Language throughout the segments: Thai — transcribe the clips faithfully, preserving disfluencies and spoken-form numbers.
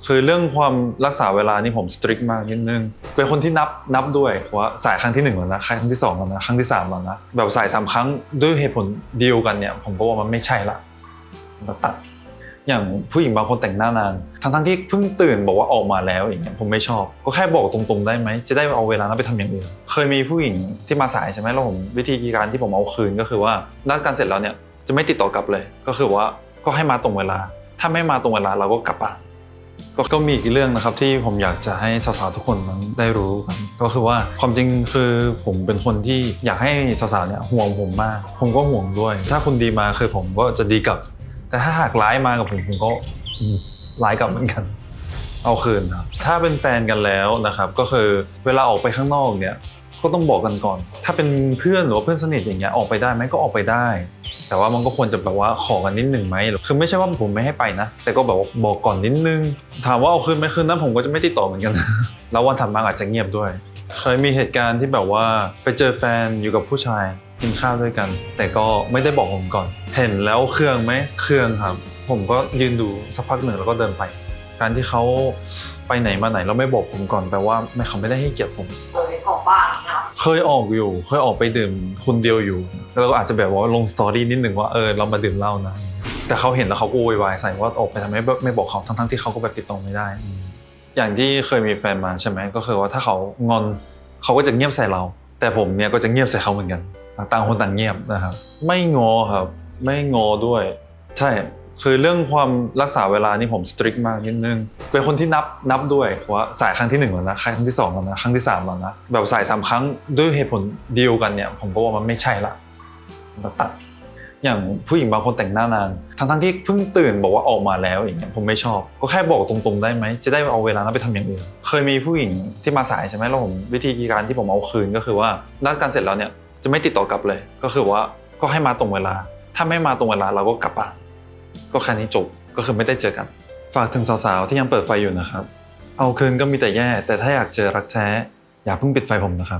คือเรื่องความรักษาเวลานี่ผมสตริกมากนิดนึงเป็นคนที่นับนับด้วยว่าสายครั้งที่หนึ่งแล้วนะครั้งที่สองแล้วนะครั้งที่สามแล้วนะแบบสายสามครั้งด้วยเหตุผลเดียวกันเนี่ยผมก็ว่ามันไม่ใช่ละตัดอย่างผู้หญิงบางคนแต่งหน้านานทั้งทั้งที่เพิ่งตื่นบอกว่าออกมาแล้วอย่างเงี้ยผมไม่ชอบก็แค่บอกตรงๆได้ไหมจะได้เอาเวลานั้นไปทำอย่างอื่นเคยมีผู้หญิงที่มาสายใช่ไหมแล้วผมวิธีการที่ผมเอาคืนก็คือว่านัดกันเสร็จแล้วเนี่ยจะไม่ติดต่อกลับเลยก็คือว่าก็ให้มาตรงเวลาถ้าไม่มาตรงเวลาเราก็กลับบ้านก็มีอีกเรื่องนะครับที่ผมอยากจะให้สาวๆทุกคนนั้นได้รู้กันก็คือว่าความจริงคือผมเป็นคนที่อยากให้สาวๆเนี่ยห่วงผมมากผมก็ห่วงด้วยถ้าคุณดีมาคือผมก็จะดีกลับแต่ถ้าหากร้ายมากับผมผมก็ร้ายกลับเหมือนกันเอาคืนครับถ้าเป็นแฟนกันแล้วนะครับก็คือเวลาออกไปข้างนอกเนี่ยก็ต้องบอกกันก่อนถ้าเป็นเพื่อนหรือว่าเพื่อนสนิทอย่างเงี้ยออกไปได้ไหมก็ออกไปได้แต่ว่ามันก็ควรจะแบบว่าขอกันนิดหนึ่งไหมคือไม่ใช่ว่าผมไม่ให้ไปนะแต่ก็แบบว่าบอกก่อนนิดนึงถามว่าเอาคืนไหมคืนนั้นผมก็จะไม่ติดต่อเหมือนกันแล้ววันถัดมาอาจจะเงียบด้วยเคยมีเหตุการณ์ที่แบบว่าไปเจอแฟนอยู่กับผู้ชายกินข้าวด้วยกันแต่ก็ไม่ได้บอกผมก่อนเห็นแล้วเครื่องไหมเครื่องครับผมก็ยืนดูสักพักหนึ่งแล้วก็เดินไปการที่เขาไปไหนมาไหนแล้วไม่บอกผมก่อนแปลว่าไม่เขาไม่ได้ให้เกียรติผมเคยออกบ้างนะเคยออกอยู่เคยออกไปดื่มคนเดียวอยู่แล้วก็อาจจะแบบว่าลงสตอรี่นิดหนึ่งว่าเออเรามาดื่มเหล้านะแต่เขาเห็นแล้วเขาก็โวยวายใส่ว่าออกไปทำไมไม่บอกเขาทั้งๆที่เขาก็แบบติดต่อไม่ได้อย่างที่เคยมีแฟนมาใช่ไหมก็คือว่าถ้าเขางอนเขาก็จะเงียบใส่เราแต่ผมเนี่ยก็จะเงียบใส่เขาเหมือนกันต่างคนต่างเงียบนะครับไม่งอครับไม่งอด้วยใช่คือเรื่องความรักษาเวลานี่ผมสตริกมากนิดนึงเป็นคนที่นับนับด้วยว่าสายครั้งที่หนึ่งแล้วนะครั้งที่สองแล้วนะครั้งที่สามแล้วนะแบบสายสามครั้งด้วยเหตุผลเดียวกันเนี่ยผมก็ว่ามันไม่ใช่ละตัดอย่างผู้หญิงบางคนแต่งหน้านานทั้งทั้งที่เพิ่งตื่นบอกว่าออกมาแล้วอย่างเงี้ยผมไม่ชอบก็แค่บอกตรงๆได้ไหมจะได้เอาเวลานั้นไปทำอย่างอื่นเคยมีผู้หญิงที่มาสายใช่ไหมแล้วผมวิธีการที่ผมเอาคืนก็คือว่านัดกันเสร็จแล้วเนี่ยจะไม่ติดต่อกลับเลยก็คือว่าก็ให้มาตรงเวลาถ้าไม่มาตรงเวลาเราก็กลับบ้านก็แค่นี้จบก็คือไม่ได้เจอกันฝากถึงสาวๆที่ยังเปิดไฟอยู่นะครับเอาคืนก็มีแต่แย่แต่ถ้าอยากเจอรักแท้อย่าเพิ่งปิดไฟผมนะครับ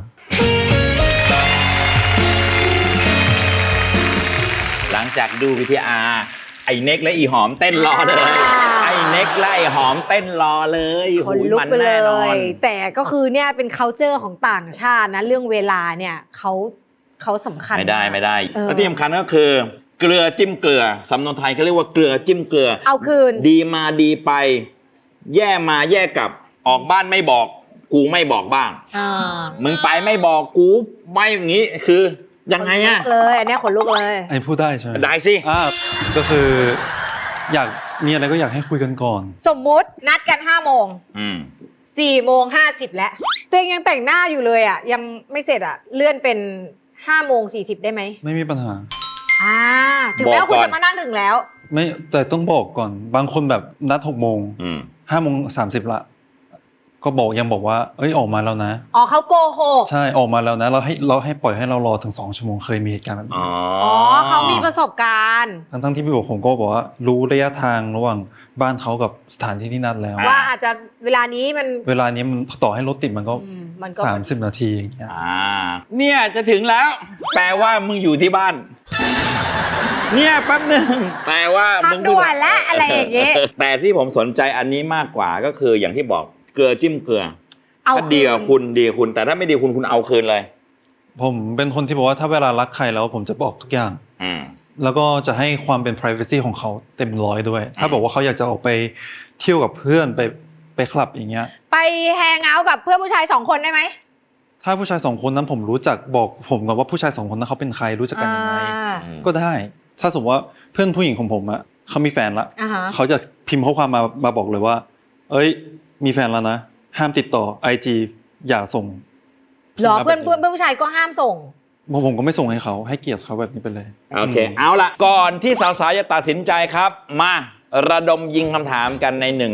หลังจากดูวิทีอาร์ไอ้เน็กและอีหอมเต้นรอเลยไอ้เน็กและไอ้หอมเต้นรอเลยคนลุกไปเลยแต่ก็คือเนี่ยเป็น culture ของต่างชาตินะเรื่องเวลาเนี่ยเขาเขาสำคัญไม่ได้ไม่ได้และที่สำคัญก็คือเกลือจิ้มเกลือสำนวนไทยเขาเรียกว่าเกลือจิ้มเกลือเอาคืนดีมาดีไปแย่มาแย่กลับออกบ้านไม่บอกกูไม่บอกบ้างมึงไปไม่บอกกูไม่อย่างนี้คือยังไงอะเลยอันนี้ขนลุกเลยไอ้พูดได้ใช่ไหมได้สิอ่าก็คืออยากมีอะไรก็อยากให้คุยกันก่อนสมมุตินัดกันห้าโมงสี่โมงห้าสิบแล้วตัวเองยังแต่งหน้าอยู่เลยอ่ะยังไม่เสร็จอ่ะเลื่อนเป็นห้าโมงสี่สิบได้ไหมไม่มีปัญหาอ่าถึงแม้ว่าคุณจะมานั่งถึงแล้วไม่แต่ต้องบอกก่อนบางคนแบบนัดหกโมงห้าโมงสามสิบละก็บอกยังบอกว่าเอ้ยออกมาแล้วนะอ๋อเขาโกหกใช่ออกมาแล้วนะเราให้เราให้ปล่อยให้เรารอถึงสองชั่วโมงเคยมีเหตุการณ์แบบนี้อ๋อเขามีประสบการณ์ทั้งทั้งที่พี่บอกผมก็บอกว่ารู้ระยะทางระหว่างบ้านเขากับสถานที่ที่นัดแล้วว่าอาจจะเวลานี้มันเวลานี้มันต่อให้รถติดมันก็สามสิบนาทีอย่างเงี้ยอ่าเนี่ยจะถึงแล้วแปลว่ามึงอยู่ที่บ้านเนี่ยแป๊บนึงแปลว่ามึงด่วนแล้วอะไรอย่างเงี้ยแต่ที่ผมสนใจอันนี้มากกว่าก็คืออย่างที่บอกเกลือจิ้มเกลือถ้าดีกับคุณดีกับคุณแต่ถ้าไม่ดีคุณคุณเอาคืนเลยผมเป็นคนที่บอกว่าถ้าเวลารักใครแล้วผมจะบอกทุกอย่างแล้วก็จะให้ความเป็น privacy ของเขาเต็มร้อยด้วยถ้าบอกว่าเขาอยากจะออกไปเที่ยวกับเพื่อนไปไปคลับอย่างเงี้ยไปแฮงเอาท์กับเพื่อนผู้ชายสองคนได้ไหมถ้าผู้ชายสองคนนั้นผมรู้จักบอกผมก่อนว่าผู้ชายสองคนนั้นเขาเป็นใครรู้จักกันยังไงก็ได้ถ้าสมมติว่าเพื่อนผู้หญิงของผมอะเขามีแฟนละเขาจะพิมพ์ข้อความมามาบอกเลยว่าเอ้ยมีแฟนแล้วนะห้ามติดต่อ ไอ จี อย่าส่งหรอเพื่อนเพื่อนผู้ชายก็ห้ามส่งผมก็ไม่ส่งให้เขาให้เกียรติเขาแบบนี้ไปเลยโอเคเอาละก่อนที่สาวๆจะตัดสินใจครับมาระดมยิงคำถามกันในหนึ่ง